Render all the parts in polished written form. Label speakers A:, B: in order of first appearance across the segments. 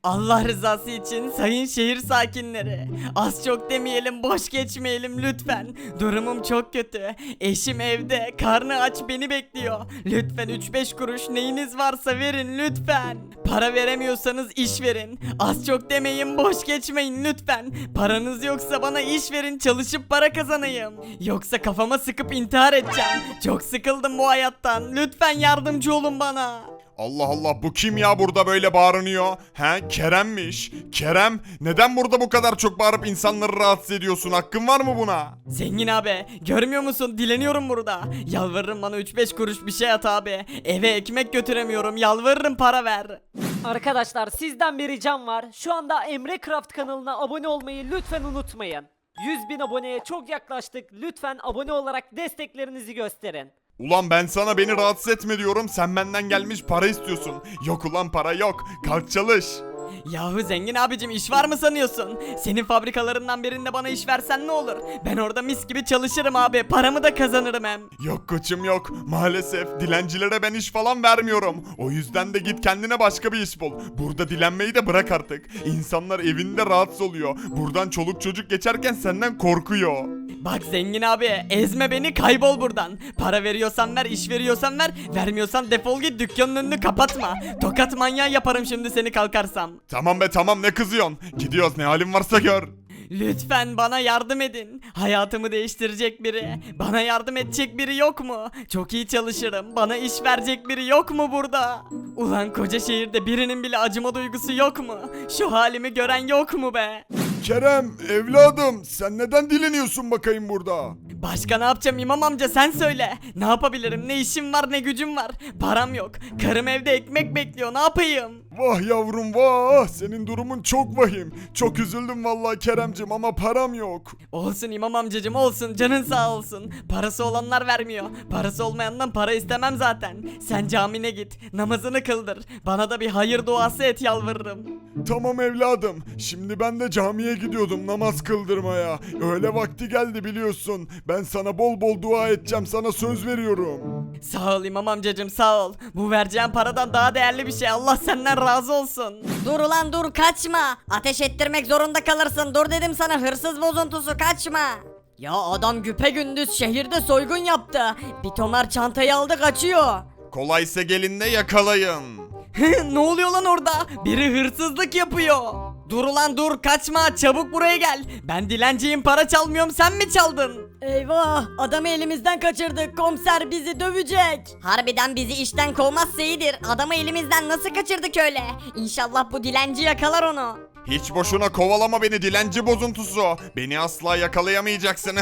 A: Allah rızası için sayın şehir sakinleri, az çok demeyelim, boş geçmeyelim lütfen. Durumum çok kötü. Eşim evde, karnı aç, beni bekliyor. Lütfen 3-5 kuruş neyiniz varsa verin lütfen. Para veremiyorsanız iş verin. Az çok demeyin, boş geçmeyin lütfen. Paranız yoksa bana iş verin, çalışıp para kazanayım. Yoksa kafama sıkıp intihar edeceğim. Çok sıkıldım bu hayattan. Lütfen yardımcı olun bana.
B: Allah Allah, bu kim ya burada böyle bağırınıyor? He, Kerem'miş. Kerem, neden burada bu kadar çok bağırıp insanları rahatsız ediyorsun? Hakkın var mı buna?
A: Zengin abi, görmüyor musun? Dileniyorum burada. Yalvarırım, bana 3-5 kuruş bir şey at abi. Eve ekmek götüremiyorum. Yalvarırım, para ver.
C: Arkadaşlar sizden bir ricam var. Şu anda Emre Craft kanalına abone olmayı lütfen unutmayın. 100.000 aboneye çok yaklaştık. Lütfen abone olarak desteklerinizi gösterin.
B: Ulan ben sana beni rahatsız etme diyorum, sen benden gelmiş para istiyorsun. Yok ulan, para yok. Kalk çalış.
A: Yahu zengin abicim, iş var mı sanıyorsun? Senin fabrikalarından birinde bana iş versen ne olur? Ben orada mis gibi çalışırım abi. Paramı da kazanırım hem.
B: Yok koçum yok. Maalesef dilencilere ben iş falan vermiyorum. O yüzden de git kendine başka bir iş bul. Burada dilenmeyi de bırak artık. İnsanlar evinde rahatsız oluyor. Buradan çoluk çocuk geçerken senden korkuyor.
A: Bak zengin abi, ezme beni, kaybol buradan. Para veriyorsan ver, iş veriyorsan ver. Vermiyorsan defol git, dükkanın önünü kapatma. Tokat manyağı yaparım şimdi seni kalkarsam.
B: Tamam be tamam, ne kızıyorsun? Gidiyoruz, ne halin varsa gör.
A: Lütfen bana yardım edin. Hayatımı değiştirecek biri, bana yardım edecek biri yok mu? Çok iyi çalışırım. Bana iş verecek biri yok mu burada? Ulan koca şehirde birinin bile acıma duygusu yok mu? Şu halimi gören yok mu be?
B: Kerem evladım, sen neden dileniyorsun bakayım burada?
A: Başka ne yapacağım İmam amca, sen söyle. Ne yapabilirim? Ne işim var ne gücüm var. Param yok. Karım evde ekmek bekliyor. Ne yapayım?
B: Vah yavrum vah, senin durumun çok vahim. Çok üzüldüm vallahi Keremcim, ama param yok.
A: Olsun İmam amcacım, olsun, canın sağ olsun. Parası olanlar vermiyor. Parası olmayandan para istemem zaten. Sen camine git, namazını kıldır. Bana da bir hayır duası et, yalvarırım.
B: Tamam evladım, şimdi ben de camiye gidiyordum namaz kıldırmaya. Öğle vakti geldi biliyorsun. Ben sana bol bol dua edeceğim, sana söz veriyorum.
A: Sağ ol İmam amcacım, sağ ol. Bu vereceğin paradan daha değerli bir şey. Allah senden razı olsun.
D: Dur ulan dur, kaçma. Ateş ettirmek zorunda kalırsın. Dur dedim sana, hırsız bozuntusu, kaçma. Ya adam güpegündüz şehirde soygun yaptı. Bir tomar çantayı aldı, kaçıyor.
B: Kolaysa gelin de yakalayın.
A: Ne oluyor lan orada? Biri hırsızlık yapıyor. Dur ulan dur, kaçma, çabuk buraya gel. Ben dilenciyim, para çalmıyorum, sen mi çaldın?
D: Eyvah, adamı elimizden kaçırdık. Komiser bizi dövecek. Harbiden bizi işten kovmazsa iyidir. Adamı elimizden nasıl kaçırdık öyle? İnşallah bu dilenci yakalar onu.
B: Hiç boşuna kovalama beni dilenci bozuntusu. Beni asla yakalayamayacaksın.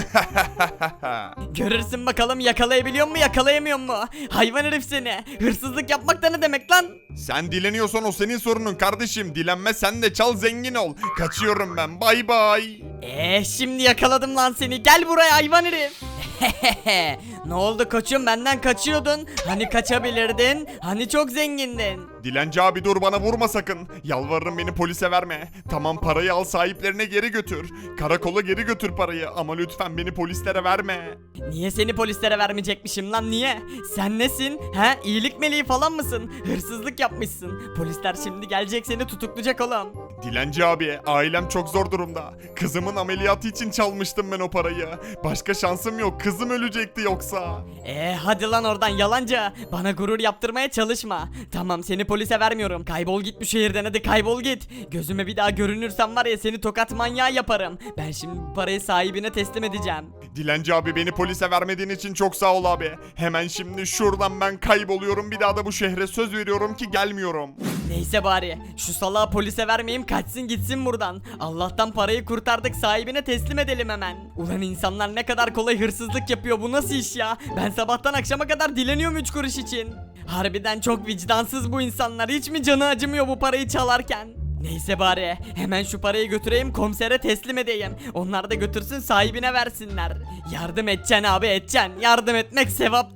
A: Görürsün bakalım, yakalayabiliyor mu yakalayamıyor mu? Hayvan herif seni. Hırsızlık yapmak da ne demek lan?
B: Sen dileniyorsan o senin sorunun kardeşim. Dilenme, sen de çal, zengin ol. Kaçıyorum ben, bay bay.
A: Şimdi yakaladım lan seni. Gel buraya hayvan herif. Ne oldu koçum, benden kaçıyordun? Hani kaçabilirdin? Hani çok zengindin?
B: Dilenci abi dur, bana vurma sakın. Yalvarırım, beni polise verme. Tamam, parayı al, sahiplerine geri götür. Karakola geri götür parayı, ama lütfen beni polislere verme.
A: Niye seni polislere vermeyecekmişim lan, niye? Sen nesin? He, iyilik meleği falan mısın? Hırsızlık yapmışsın. Polisler şimdi gelecek, seni tutuklayacak oğlum.
B: Dilenci abi, ailem çok zor durumda. Kızımın ameliyatı için çalmıştım ben o parayı. Başka şansım yok, kızım ölecekti yoksa.
A: Hadi lan oradan yalancı. Bana gurur yaptırmaya çalışma. Tamam, seni polise vermiyorum. Kaybol git bu şehirden, hadi kaybol git. Gözüme bir daha görünürsen var ya, seni tokat manyağı yaparım. Ben şimdi bu parayı sahibine teslim edeceğim.
B: Dilenci abi, beni polise vermediğin için çok sağ ol abi. Hemen şimdi şuradan ben kayboluyorum, bir daha da bu şehre söz veriyorum ki gelmiyorum.
A: Neyse bari şu salağı polise vermeyeyim, kaçsın gitsin buradan. Allah'tan parayı kurtardık, sahibine teslim edelim hemen. Ulan insanlar ne kadar kolay hırsızlık yapıyor, bu nasıl iş ya? Ben sabahtan akşama kadar dileniyorum 3 kuruş için. Harbiden çok vicdansız bu insanlar, hiç mi canı acımıyor bu parayı çalarken? Neyse bari hemen şu parayı götüreyim, komisere teslim edeyim. Onlar da götürsün, sahibine versinler. Yardım edeceksin abi, edeceksin. Yardım etmek sevaptır.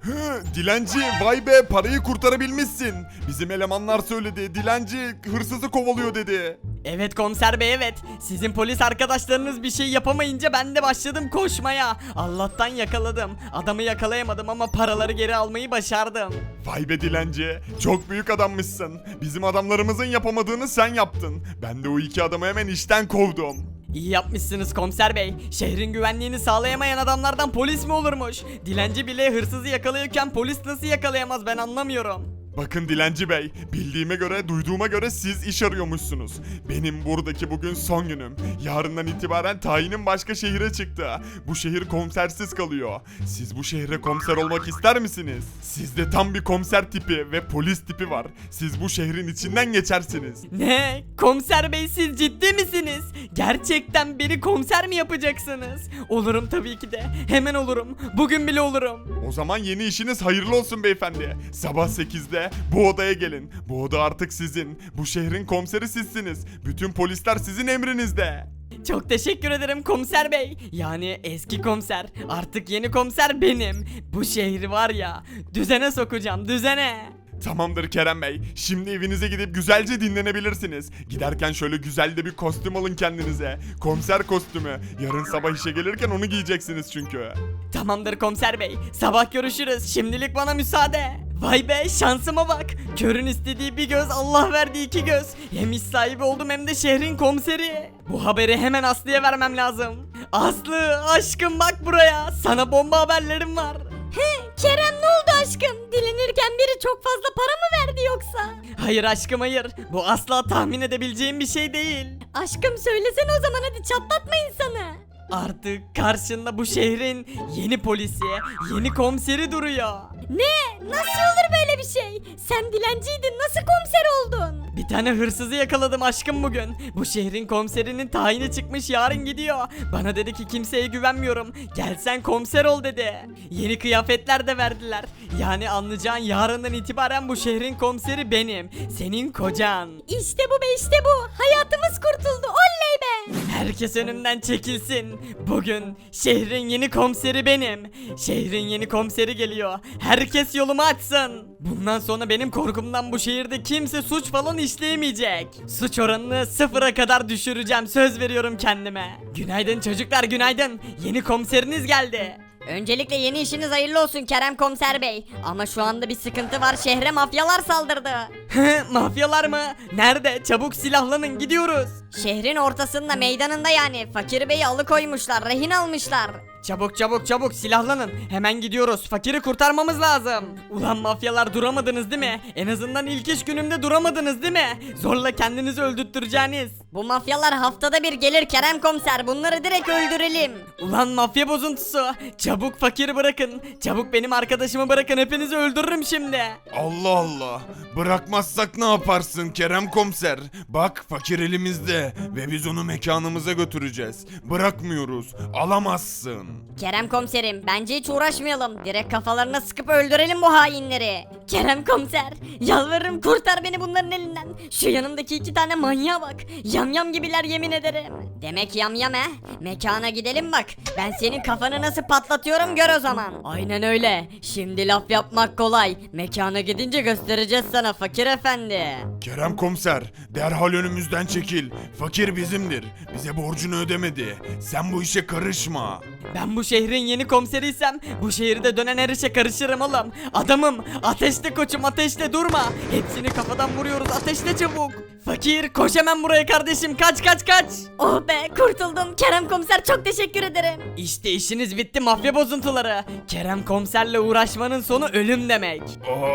B: Dilenci, vay be, parayı kurtarabilmişsin. Bizim elemanlar söyledi, dilenci hırsızı kovalıyor dedi.
A: Evet komiser bey, evet. Sizin polis arkadaşlarınız bir şey yapamayınca ben de başladım koşmaya. Allah'tan yakaladım. Adamı yakalayamadım ama paraları geri almayı başardım.
B: Vay be dilenci, çok büyük adammışsın. Bizim adamlarımızın yapamadığını sen yaptın. Ben de o iki adamı hemen işten kovdum.
A: İyi yapmışsınız komiser bey. Şehrin güvenliğini sağlayamayan adamlardan polis mi olurmuş? Dilenci bile hırsızı yakalıyorken polis nasıl yakalayamaz, ben anlamıyorum.
B: Bakın dilenci bey, bildiğime göre, duyduğuma göre siz iş arıyormuşsunuz. Benim buradaki bugün son günüm. Yarından itibaren tayinim başka şehire çıktı. Bu şehir komisersiz kalıyor. Siz bu şehre komiser olmak ister misiniz? Sizde tam bir komiser tipi ve polis tipi var. Siz bu şehrin içinden geçersiniz.
A: Ne? Komiser bey, siz ciddi misiniz? Gerçekten beni komiser mi yapacaksınız? Olurum tabii ki de. Hemen olurum. Bugün bile olurum.
B: O zaman yeni işiniz hayırlı olsun beyefendi. Sabah 8'de bu odaya gelin. Bu oda artık sizin. Bu şehrin komiseri sizsiniz. Bütün polisler sizin emrinizde.
A: Çok teşekkür ederim komiser bey. Yani eski komiser. Artık yeni komiser benim. Bu şehri var ya, düzene sokacağım, düzene.
B: Tamamdır Kerem Bey. Şimdi evinize gidip güzelce dinlenebilirsiniz. Giderken şöyle güzel de bir kostüm alın kendinize. Komiser kostümü. Yarın sabah işe gelirken onu giyeceksiniz çünkü.
A: Tamamdır komiser bey. Sabah görüşürüz. Şimdilik bana müsaade. Vay be, şansıma bak. Körün istediği bir göz, Allah verdiği iki göz. Hem iş sahibi oldum hem de şehrin komiseri. Bu haberi hemen Aslı'ya vermem lazım. Aslı aşkım, bak buraya. Sana bomba haberlerim var.
D: Kerem, ne oldu aşkım? Dilenirken biri çok fazla para mı verdi yoksa?
A: Hayır aşkım, hayır. Bu asla tahmin edebileceğim bir şey değil.
D: Aşkım söylesene o zaman, hadi çatlatma insanı.
A: Artık karşında bu şehrin yeni polisi, yeni komiseri duruyor.
D: Ne? Nasıl olur böyle bir şey? Sen dilenciydin, nasıl komiser oldun?
A: Bir tane hırsızı yakaladım aşkım bugün. Bu şehrin komiserinin tayini çıkmış, yarın gidiyor. Bana dedi ki kimseye güvenmiyorum. Gel sen komiser ol dedi. Yeni kıyafetler de verdiler. Yani anlayacağın, yarından itibaren bu şehrin komiseri benim. Senin kocan.
D: İşte bu be, işte bu. Hayatımız kurtuldu, oley be.
A: Herkes önümden çekilsin. Bugün şehrin yeni komiseri benim. Şehrin yeni komiseri geliyor. Herkes yolumu açsın. Bundan sonra benim korkumdan bu şehirde kimse suç falan işleyemeyecek. Suç oranını sıfıra kadar düşüreceğim, söz veriyorum kendime. Günaydın çocuklar, günaydın. Yeni komiseriniz geldi.
D: Öncelikle yeni işiniz hayırlı olsun Kerem Komiser Bey. Ama şu anda bir sıkıntı var, şehre mafyalar saldırdı.
A: Mafyalar mı? Nerede? Çabuk silahlanın, gidiyoruz.
D: Şehrin ortasında, meydanında yani. Fakir Bey'i alıkoymuşlar, rehin almışlar.
A: Çabuk çabuk çabuk silahlanın. Hemen gidiyoruz. Fakiri kurtarmamız lazım. Ulan mafyalar, duramadınız değil mi? En azından ilk iş günümde duramadınız değil mi? Zorla kendinizi öldürttüreceğiniz.
D: Bu mafyalar haftada bir gelir Kerem Komiser, bunları direkt öldürelim.
A: Ulan mafya bozuntusu. Çabuk fakiri bırakın. Çabuk benim arkadaşımı bırakın. Hepinizi öldürürüm şimdi.
B: Allah Allah. Bırakmazsak ne yaparsın Kerem komiser? Bak fakir elimizde ve biz onu mekanımıza götüreceğiz. Bırakmıyoruz. Alamazsın.
D: Kerem Komiserim, bence hiç uğraşmayalım. Direkt kafalarına sıkıp öldürelim bu hainleri. Kerem Komiser, yalvarırım kurtar beni bunların elinden. Şu yanımdaki iki tane manyağa bak. Yamyam gibiler, yemin ederim. Demek yamyam he? Mekana gidelim bak. Ben senin kafanı nasıl patlatıyorum gör o zaman. Aynen öyle. Şimdi laf yapmak kolay. Mekana gidince göstereceğiz sana fakir efendi.
B: Kerem komiser, derhal önümüzden çekil. Fakir bizimdir. Bize borcunu ödemedi. Sen bu işe karışma.
A: Ben bu şehrin yeni komiseriysem bu şehirde dönen her işe karışırım oğlum. Adamım, ateşle koçum, ateşle, durma. Hepsini kafadan vuruyoruz, ateşle çabuk. Fakir koş hemen buraya kardeşim, kaç kaç kaç.
D: Oh be, kurtuldum. Kerem Komiser, çok teşekkür ederim.
A: İşte işiniz bitti mafya bozuntuları. Kerem komiserle uğraşmanın sonu ölüm demek.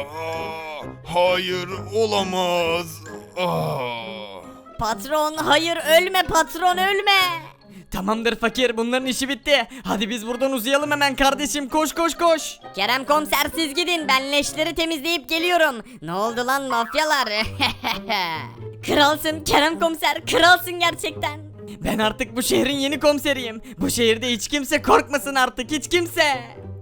B: Hayır olamaz.
D: Patron, hayır, ölme patron, ölme.
A: Tamamdır fakir, bunların işi bitti. Hadi biz buradan uzayalım hemen kardeşim, koş koş koş.
D: Kerem Komiser, siz gidin, ben leşleri temizleyip geliyorum. Ne oldu lan mafyalar? Kralsın Kerem Komiser, kralsın gerçekten.
A: Ben artık bu şehrin yeni komiseriyim. Bu şehirde hiç kimse korkmasın artık, hiç kimse.